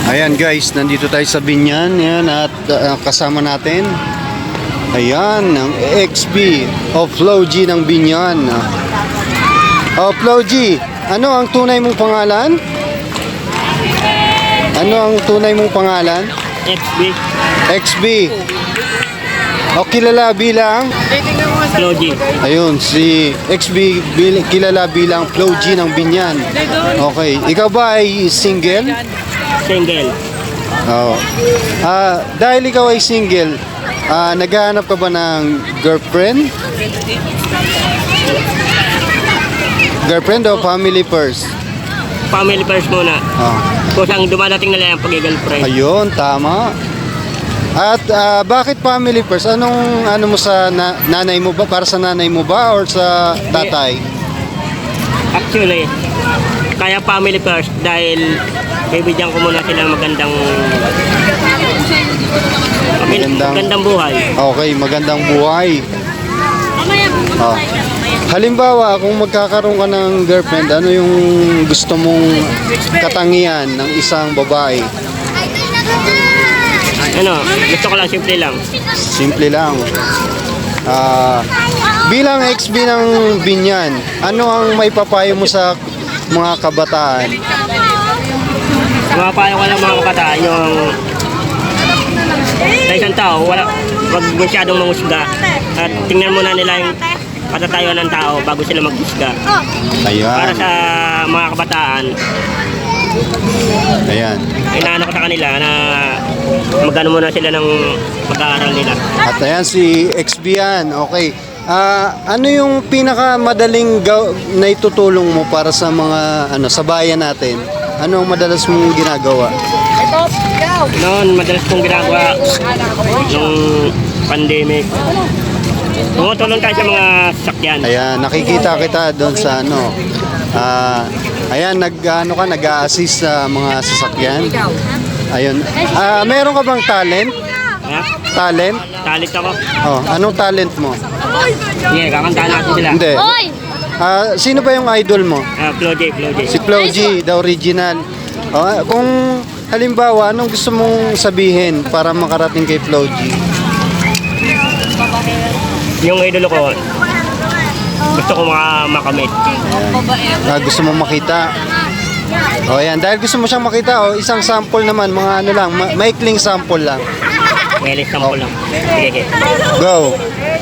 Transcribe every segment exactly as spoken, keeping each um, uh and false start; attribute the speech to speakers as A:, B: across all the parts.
A: Ayan guys, nandito tayo sa Binyan. Ayan, at uh, kasama natin. Ayan, ang X B o Flo G ng Binyan. O Flo G, ano ang tunay mong pangalan? Ano ang tunay mong pangalan?
B: X B.
A: X B. O kilala bilang?
B: Flo G.
A: Ayun, si X B bil- kilala bilang Flo G ng Binyan. Okay, ikaw ba ay single?
B: Single.
A: Oo. Ah, dahil ikaw ay single, ah, naghahanap ka ba ng girlfriend? Girlfriend o family first?
B: Family first muna.
A: Oh.
B: Kusang dumadating na lang ang pag-girlfriend.
A: Ayun, tama. At ah, bakit family first? Anong ano mo sa na- nanay mo ba? Para sa nanay mo ba or sa tatay?
B: Actually, kaya family first dahil bibigyan ko muna sila ng magandang
A: Magandang-
B: magandang buhay.
A: Okay, magandang buhay. Oh. Halimbawa, kung magkakaroon ka ng girlfriend, ano yung gusto mong katangian ng isang babae?
B: Ano, gusto ko lang simple lang.
A: Simple lang. Ah, bilang X B ng Binyan, ano ang may papayo mo sa mga kabataan?
B: Mga payo ko lang mga kabataan yung sa isang tao, wala, wag masyadong mangusga at tingnan muna nila yung patatayuan ng tao bago sila maghusga. Para
A: Ayan.
B: sa mga kabataan,
A: Ayan.
B: inaano ko sa kanila na magano muna sila ng pag-aaral nila.
A: At ayan si X B yan. Okay. Ah, ano yung pinakamadaling gaw- na itutulong mo para sa mga ano sa bayan natin? Ano ang madalas mong ginagawa?
B: Noon, madalas kong ginagawa nung pandemic. Tumutulong tayo sa mga sasakyan.
A: Ayan, nakikita kita doon sa ano. Ah, ayan, nag ano ka, nag-a-assist sa mga sasakyan. Ayun. Ah, meron ka bang talent?
B: Ha?
A: Talent?
B: Talit ako.
A: Oh, anong talent mo?
B: Sige, kakantahan natin sila.
A: Hindi. Ah, sino ba yung idol mo?
B: Ah, Flo J, Flo J.
A: Si Flo G, the original. Oh, kung halimbawa, anong gusto mong sabihin para makarating kay Flo G?
B: Yung idolo ko, gusto ko mga makamit.
A: Ah, gusto mong makita? O yan, dahil gusto mo siyang makita, oh, isang sample naman, mga ano lang, ma- maikling sample lang.
B: May list ko lang. Sige, sige.
A: Go!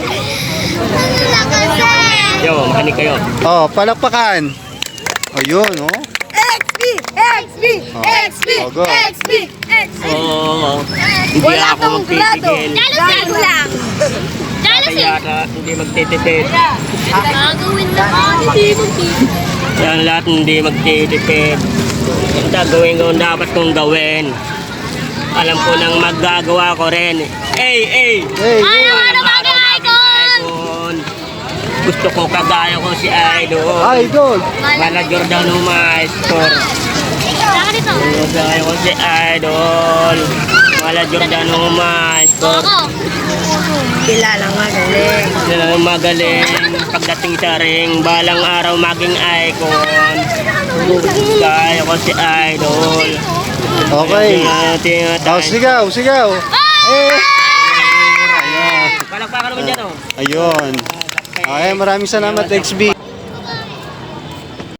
B: Yo, makinig kayo.
A: Oh, palakpakan! O yun, oh.
C: X B, X B, X B,
A: Oh, go.
C: X B, X B.
B: Oo, hindi
C: Wala
B: ako
C: kang grado.
B: magtitigil.
C: Grado lang.
B: Kaya yata, hindi magtitipid.
C: Gagawin na ka, hindi magtitipid.
B: Yan lahat hindi magtitipid. Ang gagawin ko, ang dapat kong gawin. Alam ko nang magagawa ko rin. Hey, hey!
A: Hey,
C: Ano
B: Parang
C: ano
B: araw
C: bagay,
B: maging
C: Icon?
B: icon. Gusto ko kagaya ko si Idol.
A: idol!
B: Mala Giordano Maestro.
C: Saka dito.
B: Kagaya ko si Idol. Mala Giordano Maestro.
C: Ako. Kilalang magaling.
B: Sila ang magaling pagdating sa ring. Balang araw maging icon. Kagaya ko si Idol.
A: Okay. Oh, sigaw, sigaw! Eh!
B: Palakpakan naman dyan, oh.
A: Ayun. Okay, maraming salamat, X B.